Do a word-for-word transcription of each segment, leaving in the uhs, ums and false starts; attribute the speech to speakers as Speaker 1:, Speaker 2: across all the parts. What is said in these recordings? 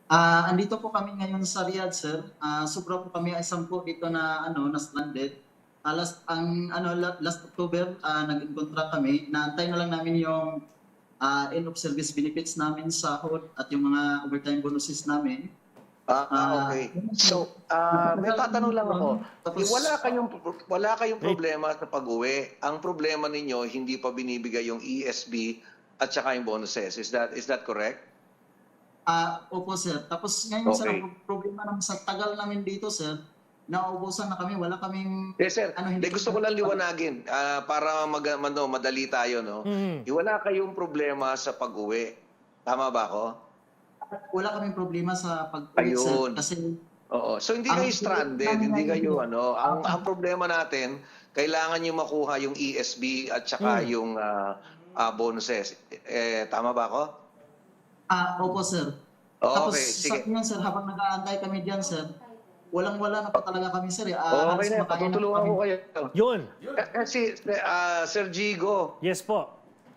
Speaker 1: Ah, andito po kami ngayon sa Riyadh, sir. Ah, sobra po kami ay sampu dito na ano, na stranded. Ah, last ang ano la- last October, ah, nag-contract kami. Naantay na lang namin yung ah, end of service benefits namin sa H O D at yung mga overtime bonuses namin.
Speaker 2: Ah,
Speaker 1: Ah,
Speaker 2: okay.
Speaker 1: yun, sir.
Speaker 2: So, ah, may
Speaker 1: Matagal kami
Speaker 2: tatanong lang
Speaker 1: doon.
Speaker 2: ako. Eh,
Speaker 1: Tapos
Speaker 2: wala kayong wala kayong
Speaker 3: Eh,
Speaker 2: problema sa pag-uwi. Ang problema ninyo hindi pa binibigay yung E S B at saka yung bonuses. Is that is that correct?
Speaker 1: ah, opo, sir. Tapos ngayon, sir,
Speaker 2: Okay.
Speaker 1: ang problema naman sa tagal namin dito, sir, nauubusan na kami. Wala kaming
Speaker 2: Yes, sir.
Speaker 1: ano,
Speaker 2: De,
Speaker 1: hindi
Speaker 2: gusto ko lang liwanagin ah, para mag, ano, madali tayo, no?
Speaker 3: mm,
Speaker 2: Eh, Wala kayong problema sa pag-uwi. Tama ba ako?
Speaker 1: wala kaming problema sa pag-uwi, sir,
Speaker 2: Ayun.
Speaker 1: kasi
Speaker 2: Oo. So hindi
Speaker 1: ang
Speaker 2: kayo stranded,
Speaker 1: namin
Speaker 2: hindi
Speaker 1: ngayon,
Speaker 2: kayo ano. Ang
Speaker 1: ah,
Speaker 2: ang problema natin, kailangan niyo makuha yung E S B at saka
Speaker 3: mm.
Speaker 2: yung ah, ah, bonuses. Eh tama ba ako?
Speaker 1: ah, opo, sir. Tapos
Speaker 2: Okay,
Speaker 1: sa
Speaker 2: sige.
Speaker 1: inyo, sir, habang nag-aantay kami diyan, sir, walang-wala na po talaga kami, sir. Eh. Ah,
Speaker 2: Okay
Speaker 1: halos
Speaker 2: na,
Speaker 1: makain na po
Speaker 2: patutulungan
Speaker 1: kami.
Speaker 2: ko kayo.
Speaker 3: Yun.
Speaker 2: Eh, Kasi ah, Sir Gigo,
Speaker 3: Yes po.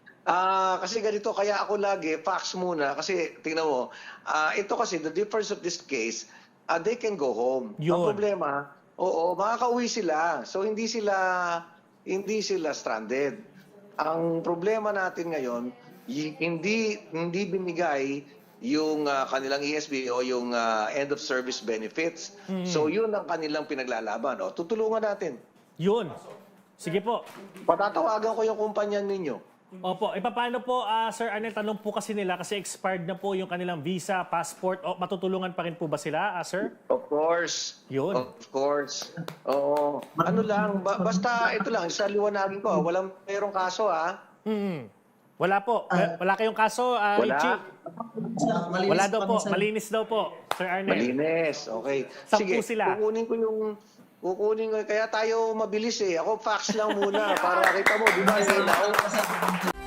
Speaker 2: ah kasi ganito kaya ako lagi fax muna kasi tingnan mo, ah ito kasi the difference of this case, ah, they can go home. Ang
Speaker 3: Yun.
Speaker 2: problema, oo, makakauwi sila. So hindi sila hindi sila stranded. Ang problema natin ngayon, y- hindi hindi binigay yung ah, kanilang E S B o yung ah, end of service benefits. So yun ang kanilang pinaglalaban. O, tutulungan natin.
Speaker 3: Yun. Sige po.
Speaker 2: Patatawagan ko yung kumpanya ninyo.
Speaker 3: Opo, e paano po, ah, Sir Arnel, tanong po kasi nila kasi expired na po yung kanilang visa, passport, o matutulungan pa rin po ba sila, ah, Sir?
Speaker 2: Of course.
Speaker 3: Yun.
Speaker 2: Of course. Oo. Ano lang, ba- basta ito lang, sa liwanagin ko, ah, walang mayroong kaso ah.
Speaker 3: Mm. Wala po. Wa- Wala kayong kaso, ah,
Speaker 2: Wala.
Speaker 3: Richie?
Speaker 1: Malinis
Speaker 3: Wala daw
Speaker 1: kami,
Speaker 3: po.
Speaker 1: sir.
Speaker 3: Malinis daw po, Sir Arnel.
Speaker 2: Malinis. Okay.
Speaker 3: Sampu
Speaker 2: Sige,
Speaker 3: sila.
Speaker 2: kukunin ko yung kukunin ko kaya tayo mabilis eh. Ako fax lang muna para kita mo, di ba? Ilaw.